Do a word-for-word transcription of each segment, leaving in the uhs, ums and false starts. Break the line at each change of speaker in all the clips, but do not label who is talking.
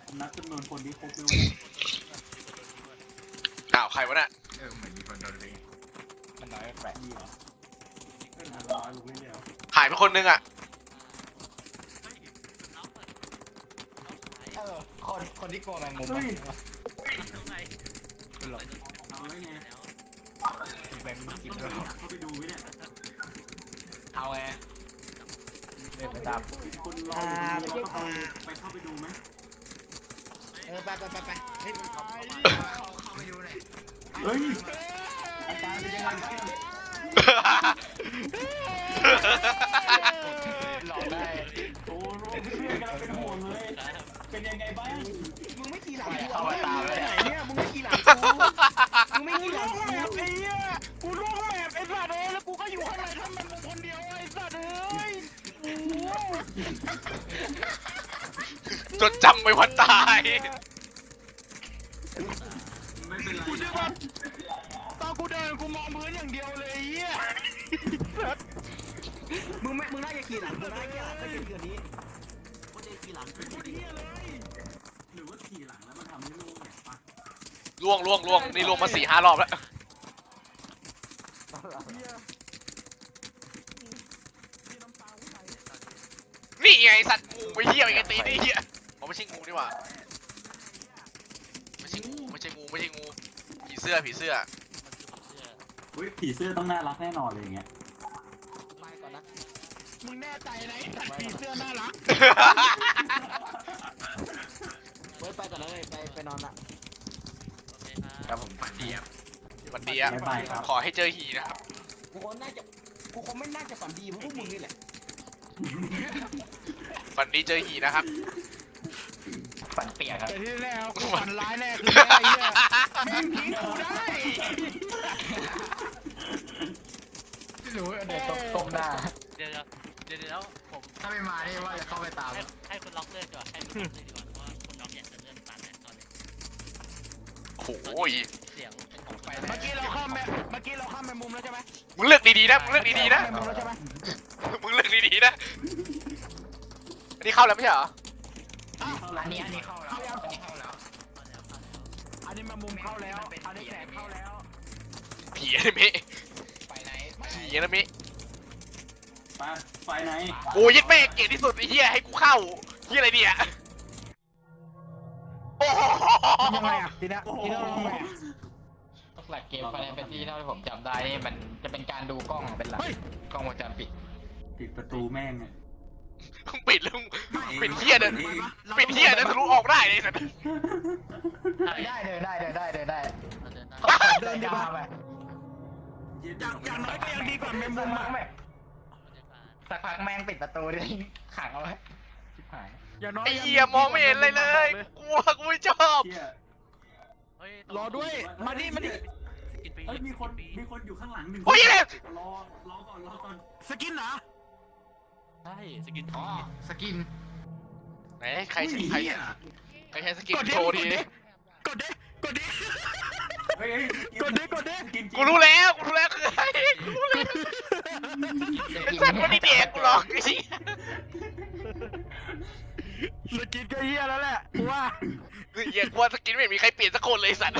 นับจำนวนคนที่ครบด้วย
อ้าวใครวะเนี่ย
เออเหมือนมีคนโดนลิงมันน้อยแปลก
นี่เหรอเป็นอันร้อยลูกไม่เดียว
หายไปคนนึงอ่ะ
เออคนคนที่โกงแมงมุม
เฮ้ย
หลบ
เอาไว้ไง
แมงมุมกิน
ต้อง
ด้วย
เข้าไปดูไหมเนี่ย
เอาไงเดินไปตาม
คนรออยู่ตรงนี้แล้วก็ไปเข้าไปดูไหม
เออไปไปไปไปเฮ้ยเข้าไปดูเลย
เฮ้ยอาจารย์เป็นยังไงบ้าง
หลอกได้
โอ้โหเพื่อนกำลังเป็นห่วงเลยเป็นยังไงบ้าง
มึงไม่ขี่หลังกู
เข้ามาตามเลย
ไหนเนี่ยมึงไม่ขี่หลังกูมึงไม่ขี่หลังกู
ไอ้เหี้ยกูล่วงแมพไอ้สัตว์เอ้ยแล้วกูก็อยู่ข้างในทำมันมึงคนเดียวไอ้สัตว์เอ้ยโอ้โห
จดจำไปวันตาย
ไม่เป็นไร
กูเชื่อว่าตอนกูเดินกูมองพื้นอย่างเดียวเลยไอ้เหี้ย
มึงไม่มึงน่าจะขี่หลังกูน่าจะขี่หลังก็ยืนอยู่นี้กูจะขี่หลังกู
คนเหี้ยเลย
หรือว่าขี่หลังแล้วมันทำให้ลูกเนี่ยปะ
ล่วงล่วงล่วงนี่ล่วงมาสี่ห้ารอบแล้ว นี่ไงสัตว์งูไปเหี้ยไงตีนี่เหี้ยอ๋อไม่ใช่งูนี่หว่าไม่ใช่งูไม่ใช่งูไม่ใช่งูผีเสื้อผีเสื้อ
อุ้ยผีเสื้อต้องน่ารักแน่นอนเลยอย่างเงี้ย
ไปก่อนนะ
มึงแน่ใจนะไอ้สัตว์ผีเสื้อน่ารัก
เฮ้ยไปก่อนเลยไปไปนอนละ
ครับผมฝันดีครับ
วันดีอะ
บ๊ายบายครับ
ขอให้เจอหีนะครับ
กูคงน่าจะกูคงไม่น่าจะฝันดีเพราะพวกมึงนี่แหละ
วันนี้เจอหีนะครับ
ฝันเปียกครับ
แต่ที่แน่กูฝันร้ายแน่คือแน่ไอ้เหี้ยแม่งทิ้งกูได้
ไม่รู้เดี๋ยวต้มหน้า
เดี๋ยวเดี๋ยวเดี๋ยวผม
ถ้าไม่มานี่ว่าจะเข้าไปตาม
ให้ให้คุณล็อกเลือดก่อนให้คุณล็อกเลือดก่อนเพราะว่าคุณล็อกอยากจะเลือดตามแน่ตอนนี้
โอ้ย
เสียงเป็นของไป
เมื่อกี้เราข้ามแม่เมื่อกี้เราข้ามแมมุมแล้วใช่ไหม
มึงเลือกดีๆนะมึงเลือกดีๆนะ
แมมุมแล้วใช่ไหม
มึงเลือกดีๆนะอันนี้เข้าแล้วไม่ใช่เหรอ
อันนี้อันนี้เข้าแล้วอันนี้เข้าแล้ว
อันนี้แมมุมเข้าแล้วอันนี้แสงเข้าแล้ว
ผีอนิเมะ
ไปไหน
ผีอนิเมะ
ไปไฟไหน
โอ้ยึดแม่เกลียดที่สุดไอ้เหี้ยให้กูเข้าเหี้ยอะไรเนี่ยโอ้โห
ยังไงอ่ะทีเนี้ย
โอ้โห
ทีเนี้ยเราทำไงอ่ะ
หลักเกมไฟแนนซ์เป็นที่เท่าที่ผมจำได้นี่มันจะเป็นการดูกล้องเป็นหลักกล้องวงจรปิด
ปิดประตูแม่งเนี่ย
มึงปิดแล้วมึงปิดเหี้ยเดินปิดเหี้ยเดินทะลุออกได้เลยสัตว์
ได้เดินได้เดินได้เดินได้
เราเดินได้
เดินดีกว่าไป
อย่างอย่างน้อยก็ยังดีกว่าแมมุมอ่ะ
สักพักแม่งปิดประตูดิขังเอาไว้ชิบหาย
อย่างน้อย
ไอ้เหี้ยมองไม่เห็นเลยเลยกลัวกูไม่ชอบ
เชี่ย
เฮ้ย
รอด้วยมาดิมาดิ
สกินปี
เอ้ยมีคนมีคนอยู่ข้างหลังหนึ่ง
โอ้ยเนี่ย
รอรอก่อนรอก่อน
สกินเหรอ
ใช่สกิน
อ๋อสกิน
ไหนใครใครใครใช้สกิน
กดดิ
โชว์ทีนี้
กดดิกดดิ
เฮ้ยเฮ้ย
กดดิกดดิ
กินจริง
กูรู้แล้วกูรู้แล้วคือใครกูรู้แล้วไอ้สัตว์มันนี่เด็กกูหรอกไอ้เหี้ย
สกินก็เฮียแล้วแหละกูว่า
คือเหี้ยกลัวสกินไม่เห็นมีใครเปลี่ยนสักคนเลยไอ้สัตว์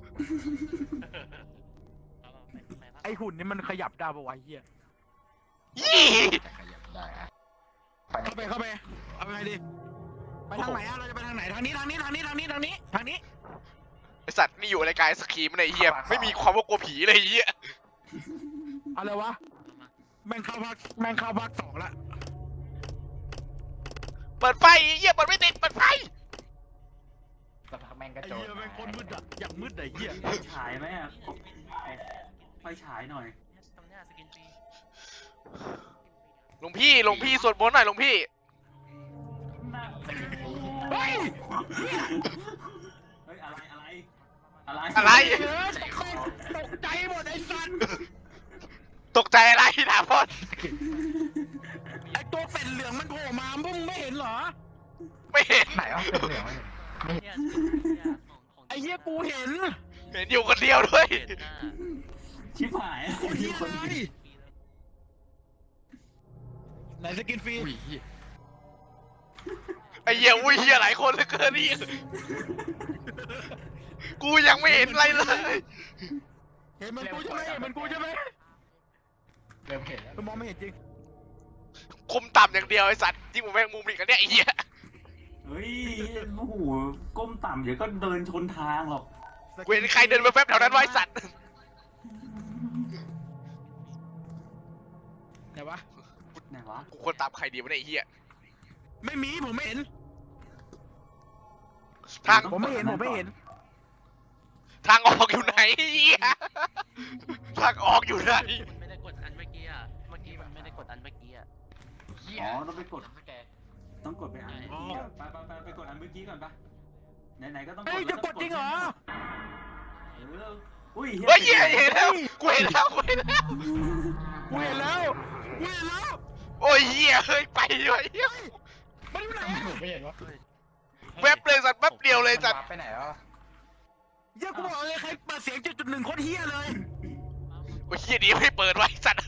ไอหุ่นนี่มันขยับได้ปะวะเฮีย
ยี่
จะขยับได้อะ
เข้าไปเข้าไปเอาไปไงดีไปทางไหนอะเราจะไปทางไหนทางนี้ทางนี้ทางนี้ทางนี้ทางนี้ทางนี้
ไอสัตว์นี่อยู่ในกายสกีมันไอ้เหี้ยไม่มีความว่ากลัวผีเลยไอ้เหี้ย
อะไรวะแม่งเข้าพักแม่งเข้าพักสองละ
เปิดไฟไอ้เหี้ยเปิดไม่ติดเปิดไฟ
สักพักแม่งก็
ไอ้
โจร
เหี้ยแม่งคนมืดอะอย่างมืดไอ้เหี้ย
ไฟฉายไหมอ่ะไฟฉายหน่อย
ตรงเนี้ยสกินปี
หลวงพี่หลวงพี่สวดมนต์หน่อยหลวงพี่
เฮ้ย
เฮ้ยอะไรอะไรอะไร
อะไร
เออตกตกใจหมดไอ้สัตว์
ตกใจอะไรถามพ่อ
ไอ้ตัวเป็นเหลืองมันโผล่มาพวกมึงไม่เห็นเหรอ
ไม่เห็น
ไหนวะเป็นเหลืองวะ
เนี่ยเนี่ยของของ
ไอ้เหี้ยกูเห็น
เห็นอยู่คนเดียวด้วย
เห็นหน้า
ชิบหาย
คนเหี้ย
คน
อะไรไหนสกินฟรี
อุ้ย
ไอ้เหี้ยอุ้ยเหี้ยหลายคนเหลือเกินนี่กูยังไม่เห็นอะไรเลย
เห็นมันกูใช่ไหมเห็นมันกูใช่ไหม
เริ่มเห็นแล้ว
มองไม่เห็นจริง
คมต่ำอย่างเดียวไอ้สัตว์ที่ผมแม่งมุมอีกอันเนี้ยไอ้เหี้ย
เฮ้ยโอ้โหก้มต่ำเดี๋ยวก็เดินชนทางหรอก
กูเห็นใครเดินมาแป๊บแถวนั้นวะไอ้สัตว์
ไหนวะ
ไหนวะ
กูควรตามใครดีวะเนี่ยไอ้เหี้ย
ไม่มีผมไม่เห็น
ทาง
ผมไม่เห็นผมไม่เห็น
ทางออกอยู่ไหนไอ้เหี้ยทางออกอยู่ไหน
มันไม่ได้กดอันเมื่อกี้อ่ะ เมื่อกี้มันไม่ได้กดอันเมื่อกี้อ่ะ
เหี้ย
อ๋อต้องไปกด
สแกน
ต้องกดไปอันเมื่อกี้อะไปไปไปไปกดอันเมื่อกี้ก่อนปะไหนๆก็ต้องกด
เฮ้ยจะกดจริงเหรอ
เอออุ้ย
เฮ้ยเหี้ยเห็นแล้วกูเห็นแล้วกูเห็นแล้ว
กูเห็นแล้วกูเห็นแล้ว
โอ้ยเหี้ยเฮ้ยไปเลยเหี้ย
มันอยู่ไหน
ผมไม่เห็นวะ
แวบเลยสัตว์แวบเดียวเลยสัตว์
มันวาร์ปไปไหนแล้ว
เหี้ยกูบอกเลยใครเปิดเสียงจุดจุดหนึ่งโคตรเฮี้ยเลย
โอ้ยเหี้ยดีไม่เปิดไว้สัตว์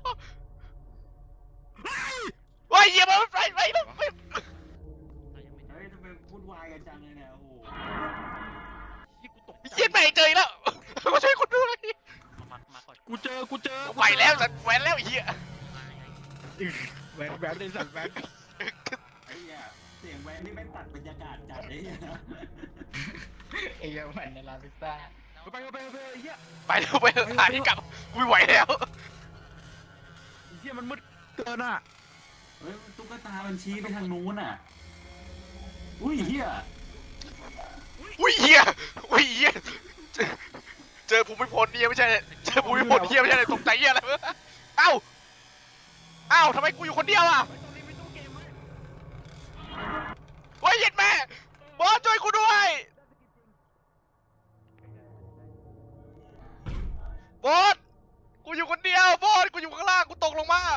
โอ้ยเหี้ยมันไปไปไปไป
เฮ้ยทำไมพูดวายกันจังเลยเนี่ยโอ้โห
ที่กูตก
เหี้ยไม่เจออีกแล้วมาช่วยคนด้วย
มา มาก่อน
กูเจอกูเจอ
ไปแล้วสัตว์แหวนแล้วไอ้เหี้ย
มาไง
แหวนแหวนเลยสัตว์แหวน
ไอ้เหี้ยเสียงแวนนี่ไม่ตัดบรรยากาศจัดเลยเนี่ย
ไอ้เหี้ยมันในร้านพิซซ่า
ไปไปไปไปไอ้เหี้ย
ไปแล้วไปแล้วหาที่กลับกูไม่ไหวแล้ว
ไอ้เหี้ยมันมืดเกินอ่ะ
เฮ้ยตุ๊กตามันชี้ไปทางนู้นอ่ะอุ้ยเฮีย
อุ้ยเหี้ยอุ้ยเหี้ยเจอเจอภูมิพลเนี่ยไม่ใช่เจอภูมิพลเหี้ยไม่ใช่เลยตกใจเหี้ยอะไรวะเอ้าเอ้าทำไมกูอยู่คนเดียวอ่ะโอ้ยเย็ดแม่บอสช่วยกูด้วยบอสกูอยู่คนเดียวบอสกูอยู่ข้างล่างกูตกลงมา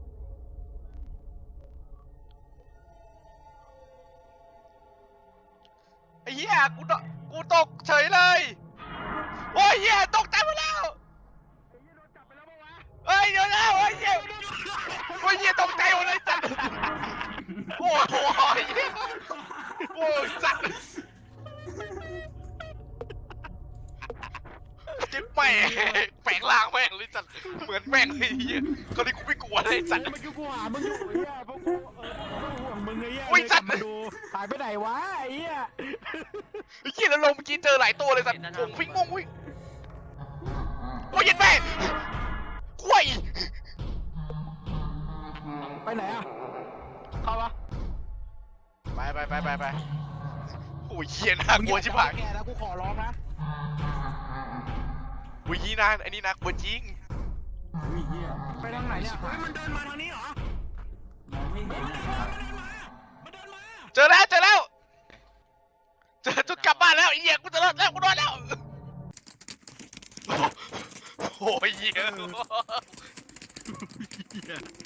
ไอ้เหี้ยกูตกกูตกเฉยเลยโอ้ยเหี้ยตกใจหมดแล้วเฮ้ยเดี๋ยวนะโอ้ยเหี้ยโอ้ยเหี้ยตกใจหมดเลยสัตว์โอ้โหเหี้ยโอ้ยสัตว์เจ็บแม่แฝงล่างแม่งเลยสัตว์เหมือนแม่งเลยเหี้ยตอนนี้กูไม่กลัวเลยสัตว์
เมื่อกี้กูหามึงอยู่ไอ้เหี้ยเพราะกูเออกูห่วงมึงไอ้เหี้ย
อุ้ยสัตว์
เลยกลับมาดูหายไปไหนวะไอ้เหี้ย
ไอ้เหี้ยแล้วลงเมื่อกี้เจอหลายตัวเลยสัตว์ผมวิ่งงงวิ่งโอ้ยเย็นแม่กล้วย
ไปไหนอ่ะเข้าปะ
ไปไปไปไปไปโอ้ยเหี้ยน่ากลัวชิบหาย
แกแล้วกูขอร้องนะ
โอ้ยนี่นะไอ้นี่น่ากลัวจริง
อุ้ยเฮีย
ไปทางไหนเนี่ยเฮ้ยมันเดินมาทางนี้เหรอ
มองไม่เห็นเลยครับ
มันเดินมา
เจอแล้วเจอแล้วเจอจุดกลับบ้านแล้วไอ้เหี้ยกูจะรอดแล้วกูรอดแล้วโอ้ยเหี้ย